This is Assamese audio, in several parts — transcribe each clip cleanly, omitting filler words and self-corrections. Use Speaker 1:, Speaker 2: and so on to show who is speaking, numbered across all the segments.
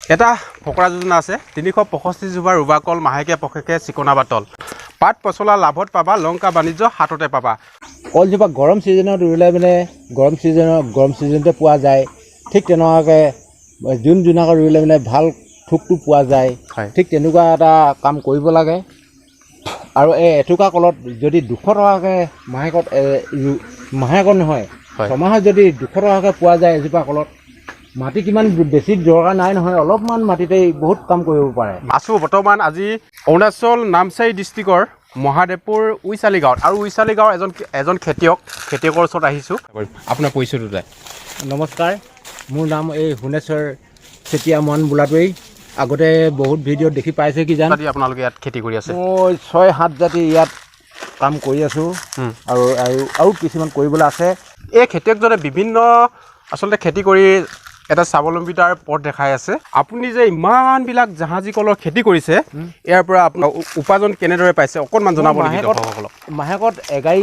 Speaker 1: এটা ফকৰা যোজনা আছে 365 জোপা ৰুবা কল মাহেকে পষেকে চিকনা বাটল পাত পচলা লাভত পাবা লংকা বাণিজ্য হাততে পাবা
Speaker 2: কলজোপা গৰম ছিজনত ৰুলে মানে গৰম ছিজনতে পোৱা যায় ঠিক তেনেকুৱাকৈ জুন জুনাকত ৰুলে মানে ভাল থোকটো পোৱা যায় ঠিক তেনেকুৱা এটা কাম কৰিব লাগে আৰু এই এটুকা কলত যদি 200 টকাকৈ মাহেকত নহয় ছমাহত যদি 200 টকাকৈ পোৱা যায় এজোপা কলত মাটি কিমান বেছি দৰকাৰ নাই নহয় অলপমান মাটিতেই বহুত কাম কৰিব পাৰে
Speaker 1: আছো বৰ্তমান আজি অৰুণাচল নামচাই ডিষ্ট্ৰিক্টৰ মহাদেৱপুৰ উইচালি গাঁৱত আৰু উইচালি গাঁৱৰ এজন খেতিয়কৰ ওচৰত আহিছোঁ আপোনাৰ পৰিচয়টো যায়
Speaker 2: নমস্কাৰ মোৰ নাম এই সোণেশ্বৰ চেতিয়া মন বোলাটোৱেই আগতে বহুত ভিডিঅ'ত দেখি পাইছে কি জান
Speaker 1: আপোনালোকে ইয়াত খেতি কৰি আছে
Speaker 2: মই 6-7 জাতি ইয়াত কাম কৰি আছোঁ আৰু কিছুমান কৰিবলৈ আছে
Speaker 1: এই খেতিয়কজনে বিভিন্ন আচলতে খেতি কৰি এটা স্বাৱলম্বিতাৰ পথ দেখাই আছে আপুনি যে ইমানবিলাক জাহাজী কলৰ খেতি কৰিছে ইয়াৰ পৰা আপোনাৰ উপাৰ্জন কেনেদৰে পাইছে অকণমান জনাব নেকি দৰ্শকসকলক
Speaker 2: মাহেকত এগাড়ী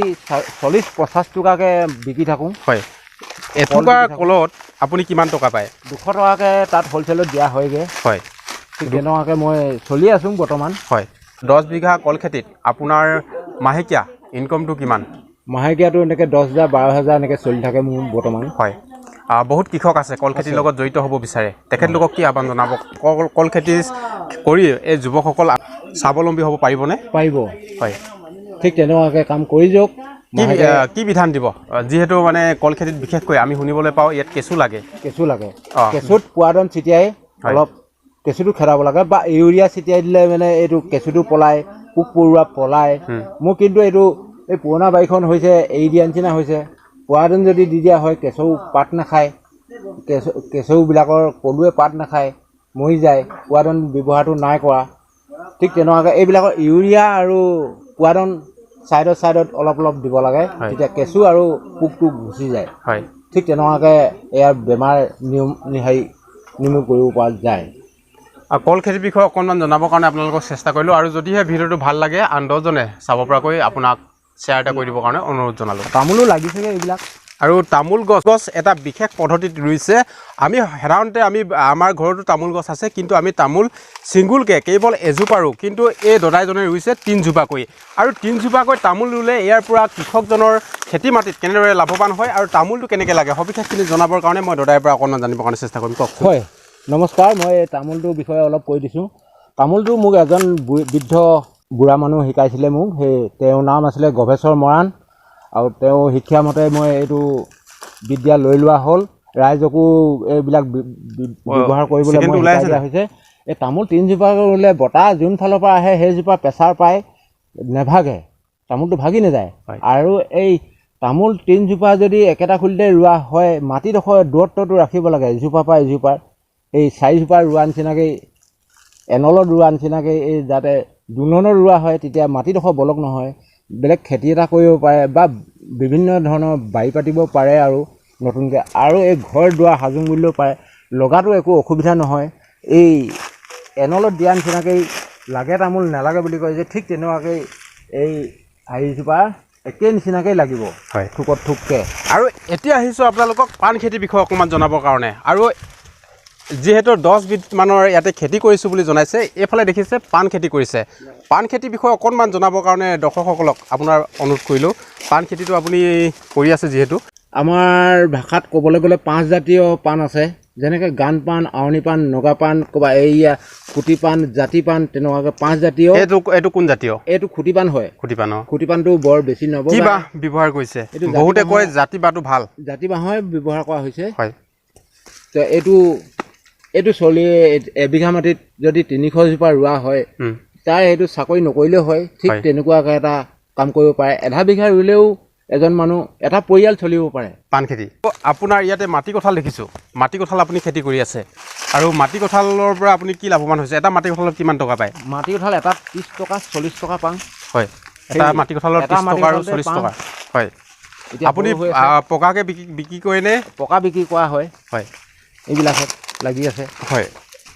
Speaker 2: 40-50 টকাকৈ বিকি থাকোঁ
Speaker 1: হয় এটুকা কলত আপুনি কিমান টকা পায়
Speaker 2: 200 টকাকৈ তাত হ'লচেলত দিয়া হয়গৈ
Speaker 1: হয়
Speaker 2: ঠিক তেনেকুৱাকৈ মই চলি আছোঁ বৰ্তমান
Speaker 1: হয় 10 বিঘা কল খেতিত আপোনাৰ মাহেকীয়া ইনকমটো কিমান
Speaker 2: মাহেকীয়াটো এনেকৈ 10,000 12,000 এনেকৈ চলি থাকে মোৰ বৰ্তমান
Speaker 1: হয় বহুত কৃষক আছে কল খেতিৰ লগত জড়িত হ'ব বিচাৰে তেখেতলোকক কি আহ্বান জনাব কল খেতি কৰি এই যুৱকসকল স্বাৱলম্বী হ'ব পাৰিবনে
Speaker 2: পাৰিব
Speaker 1: হয়
Speaker 2: ঠিক তেনেকুৱাকৈ কাম কৰি যাওক
Speaker 1: কি বিধান দিব যিহেতু মানে কল খেতিত বিশেষকৈ আমি শুনিবলৈ পাওঁ ইয়াত কেঁচু লাগে
Speaker 2: কেঁচুত পোৱাদন ছিটিয়াই অলপ কেঁচুটো খেদাব লাগে বা ইউৰিয়া ছিটিয়াই দিলে মানে এইটো কেঁচুটো পলাই পোক পৰুৱা পলাই মোৰ কিন্তু এইটো এই পুৰণা বাৰীখন হৈছে এৰি দিয়া নিচিনা হৈছে পোৱাদন যদি দি দিয়া হয় কেঁচু পাত নাখায় কেঁচুবিলাকৰ পলুৱে পাত নাখায় মৰি যায় পোৱাদন ব্যৱহাৰটো নাই কৰা ঠিক তেনেকুৱাকৈ এইবিলাকৰ ইউৰিয়া আৰু পোৱাদন ছাইডত অলপ দিব লাগে তেতিয়া কেঁচু আৰু পোকটো গুচি যায় ঠিক তেনেকুৱাকৈ ইয়াৰ বেমাৰ নিৰ্মূল কৰিব পৰা যায়
Speaker 1: কল খেতিৰ বিষয়ে অকণমান জনাবৰ কাৰণে আপোনালোকক চেষ্টা কৰিলোঁ আৰু যদিহে ভিডিঅ'টো ভাল লাগে আন 10জনে চাব পৰাকৈ আপোনাক শ্বেয়াৰ এটা কৰি দিবৰ কাৰণে অনুৰোধ জনালোঁ
Speaker 2: তামোলো লাগিছেগৈ এইবিলাক
Speaker 1: আৰু তামোল গছ এটা বিশেষ পদ্ধতিত ৰুইছে আমি সাধাৰণতে আমাৰ ঘৰতো তামোল গছ আছে কিন্তু আমি তামোল ছিংগুলকৈ কেৱল এজোপা ৰুওঁ কিন্তু এই দদাইজনে ৰুইছে 3 জোপাকৈ আৰু 3 জোপাকৈ তামোল ৰুলে ইয়াৰ পৰা কৃষকজনৰ খেতি মাটিত কেনেদৰে লাভৱান হয় আৰু তামোলটো কেনেকৈ লাগে সবিশেষখিনি জনাবৰ কাৰণে মই দদাইৰ পৰা অকণমান জানিবৰ কাৰণে চেষ্টা কৰিম কওক
Speaker 2: হয় নমস্কাৰ মই তামোলটোৰ বিষয়ে অলপ কৈ দিছোঁ তামোলটো মোক এজন বৃদ্ধ বুঢ়া মানুহ শিকাইছিলে মোক সেই তেওঁৰ নাম আছিলে গৱেশ্বৰ মৰাণ আৰু তেওঁ শিক্ষামতে মই এইটো বিদ্যা লৈ লোৱা হ'ল ৰাইজকো এইবিলাক ব্যৱহাৰ কৰিবলৈ শিকাই দিয়া হৈছে এই তামোল 3 জোপা ৰুলে বতাহ যোন ফালৰ পৰা আহে সেইজোপা প্ৰেছাৰ পাই নেভাগে তামোলটো ভাগি নাযায় আৰু এই তামোল 3 জোপা যদি একেটা খুলিতে ৰোৱা হয় মাটিডোখৰ দূৰত্বটো ৰাখিব লাগে এজোপাৰ পৰা এজোপাৰ এই 4 জোপা ৰোৱা নিচিনাকৈ এনলত ৰোৱা নিচিনাকৈ এই যাতে দুলনত ৰোৱা হয় তেতিয়া মাটিডোখৰ বলক নহয় বেলেগ খেতি এটা কৰিব পাৰে বা বিভিন্ন ধৰণৰ বাৰী পাতিব পাৰে আৰু নতুনকৈ আৰু এই ঘৰ দুৱাৰ সাজোঁ বুলিলেও পাৰে লগাটো একো অসুবিধা নহয় এই এনলত দিয়া নিচিনাকৈ লাগে তামোল নালাগে বুলি কয় যে ঠিক তেনেকুৱাকৈ এই হেৰিজোপা একে নিচিনাকৈ লাগিব থোকত থোককৈ
Speaker 1: আৰু এতিয়া আহিছোঁ আপোনালোকক পাণ খেতিৰ বিষয়ে অকণমান জনাবৰ কাৰণে আৰু যিহেতু 10 বিধ মানৰ ইয়াতে খেতি কৰিছোঁ বুলি জনাইছে এইফালে দেখিছে পাণ খেতি কৰিছে পাণ খেতিৰ বিষয়ে অকণমান জনাবৰ কাৰণে দৰ্শকসকলক আপোনাৰ অনুৰোধ কৰিলোঁ পাণ খেতিটো আপুনি কৰি আছে যিহেতু
Speaker 2: আমাৰ ভাষাত ক'বলৈ গ'লে 5 জাতীয় পাণ আছে যেনেকৈ গান পাণ আউনি পাণ নগা পাণ ক'বা এইয়া খুটি পাণ জাতি পাণ তেনেকুৱাকৈ 5 জাতীয়
Speaker 1: এইটো কোন জাতীয়
Speaker 2: এইটো খুটি পাণ হয় খুটি পাণটো বৰ বেছি নব
Speaker 1: কি বাঁহ ব্যৱহাৰ কৰিছে বহুতে কয় জাতি বাঁহটো ভাল
Speaker 2: জাতি বাঁহৰ ব্যৱহাৰ কৰা হৈছে হয় তো এইটো চলি এবিঘা মাটিত যদি 300 জোপা ৰোৱা হয় তাৰ এইটো চাকৰি নকৰিলেও হয় ঠিক তেনেকুৱাকৈ এটা কাম কৰিব পাৰে আধা বিঘা ৰুলেও এজন মানুহ এটা পৰিয়াল চলিব পাৰে
Speaker 1: পাণ খেতি আপোনাৰ ইয়াতে মাটি কঁঠাল দেখিছোঁ মাটি কঁঠাল আপুনি খেতি কৰি আছে আৰু মাটি কঁঠালৰ পৰা আপুনি কি লাভৱান হৈছে এটা মাটি কঁঠালত কিমান টকা পায়
Speaker 2: মাটি কঁঠাল এটা 30 টকা 40 টকা পাওঁ
Speaker 1: হয় এটা মাটি কঁঠালৰ 30 টকা আৰু 40 টকা হয় আপুনি পকাকৈ বিক্ৰী কৰেনে
Speaker 2: পকা বিক্ৰী কৰা হয়
Speaker 1: হয়
Speaker 2: এইবিলাকত লাগি আছে
Speaker 1: হয়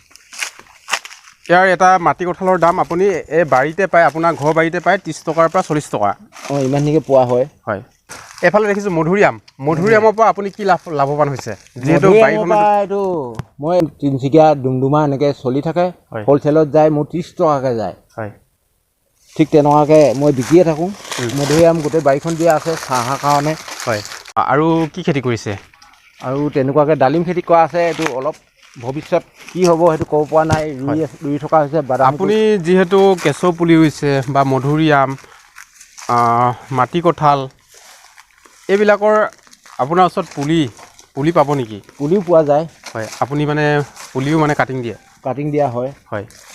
Speaker 1: ইয়াৰ এটা মাটি কঁঠালৰ দাম আপুনি এই বাৰীতে পায় আপোনাৰ ঘৰ বাৰীতে পায় 30 টকাৰ পৰা 40 টকা
Speaker 2: ইমানখিনিকে পোৱা হয়
Speaker 1: হয় এফালে দেখিছোঁ মধুৰিআমৰ পৰা আপুনি কি লাভৱান হৈছে যিহেতু
Speaker 2: মধুৰিআমৰ
Speaker 1: বাৰীখনত
Speaker 2: পৰা এইটো মই তিনিচুকীয়া ডুমডুমা এনেকৈ চলি থাকে
Speaker 1: হয়।
Speaker 2: হ'লচেলত যায় মোৰ 30 টকাকৈ যায়
Speaker 1: হয়
Speaker 2: ঠিক তেনেকুৱাকৈ মই বিকিয়ে থাকোঁ মধুৰিআম গোটেই বাৰীখন দিয়া আছে চাহৰ কাৰণে
Speaker 1: হয় আৰু কি খেতি কৰিছে
Speaker 2: আৰু তেনেকুৱাকৈ ডালিম খেতি কৰা আছে এইটো অলপ ভৱিষ্যত কি হ'ব সেইটো ক'ব পৰা নাই ৰুই থকা হৈছে বাদাম
Speaker 1: আপুনি যিহেতু কেঁচু পুলি ৰুইছে বা মধুৰিআম মাটি কঁঠাল এইবিলাকৰ আপোনাৰ ওচৰত পুলি পাব নেকি
Speaker 2: পুলিও পোৱা যায়
Speaker 1: হয় আপুনি মানে পুলিও মানে কাটিং দিয়ে
Speaker 2: কাটিং দিয়া হয়
Speaker 1: হয়